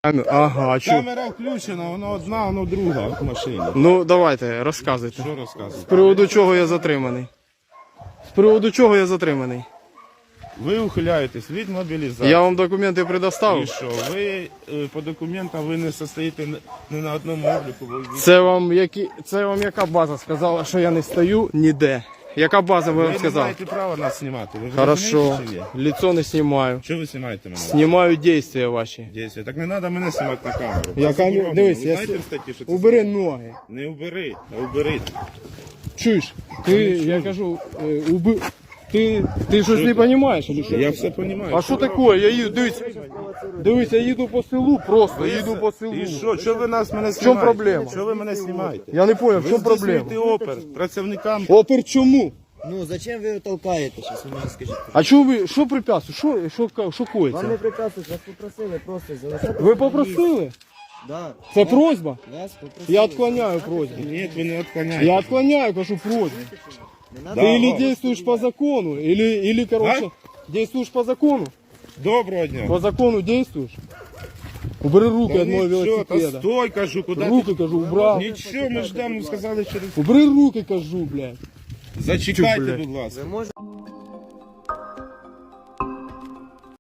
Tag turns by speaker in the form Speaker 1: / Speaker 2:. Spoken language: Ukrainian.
Speaker 1: Ага, чу.
Speaker 2: Камера включена, воно одна, воно друга в машині.
Speaker 1: Ну, давайте, розказуйте.
Speaker 2: Що розказувати?
Speaker 1: З приводу чого я затриманий? З приводу чого я затриманий?
Speaker 2: Ви ухиляєтесь від мобілізації.
Speaker 1: Я вам документи
Speaker 2: І
Speaker 1: предоставив.
Speaker 2: що? Ви по документам ви не состоїте ні на одному обліку.
Speaker 1: Це вам яка база сказала, що я не стою ніде? Яка база ви
Speaker 2: Ви
Speaker 1: вам
Speaker 2: не
Speaker 1: сказала?
Speaker 2: маєте права нас знімати. Ви
Speaker 1: Хорошо,
Speaker 2: розумієте, чи ні?
Speaker 1: лицо не знімаю.
Speaker 2: Що ви знімаєте мене?
Speaker 1: Знімаю дійства ваші.
Speaker 2: Дійсно. Так не треба мене знімати на камеру.
Speaker 1: Я
Speaker 2: Це заборонено.
Speaker 1: дивись,
Speaker 2: Ви
Speaker 1: я
Speaker 2: знаєте в статті, що це
Speaker 1: убери
Speaker 2: заборонено?
Speaker 1: ноги.
Speaker 2: Не убери, а убери.
Speaker 1: Чуєш? Я кажу, ти щось не розумієш?
Speaker 2: Я все розумію.
Speaker 1: А що таке? Я їду, дивись, я їду по селу просто, їду по селу.
Speaker 2: І що? Що ви мене знімаєте?
Speaker 1: чому проблема?
Speaker 2: Що ви мене знімаєте?
Speaker 1: Я не зрозумів, в
Speaker 2: Ви
Speaker 1: чому проблема?
Speaker 2: здійснюєте опір працівникам.
Speaker 1: Опер чому?
Speaker 3: Ну, зачем ви його толкаєте? Щас ви мені скажіть.
Speaker 1: А що препятствує? Що
Speaker 3: Вам не
Speaker 1: коїться?
Speaker 3: прикасують, вас попросили просто залишати.
Speaker 1: Ви попросили?
Speaker 3: Да.
Speaker 1: Це просьба?
Speaker 3: Вас попросили.
Speaker 1: Я відклоняю просьбу.
Speaker 2: Ні, ви не відклоняєте.
Speaker 1: Я відклоняю, кажу, просьбу.
Speaker 3: Не надо.
Speaker 1: Ты или действуешь по закону, или короче, действуешь по закону.
Speaker 2: Доброго дня.
Speaker 1: По закону действуешь. Убери руки
Speaker 2: Та
Speaker 1: от моего
Speaker 2: нічого, та
Speaker 1: велосипеда.
Speaker 2: стой, кажу, куди
Speaker 1: Руки, кажу, убрал.
Speaker 2: Нічого, ми ждемо, сказали через...
Speaker 1: Убери руки, кажу, блядь.
Speaker 2: Зачекайте,
Speaker 1: блядь?
Speaker 2: будь ласка.
Speaker 3: Ви можете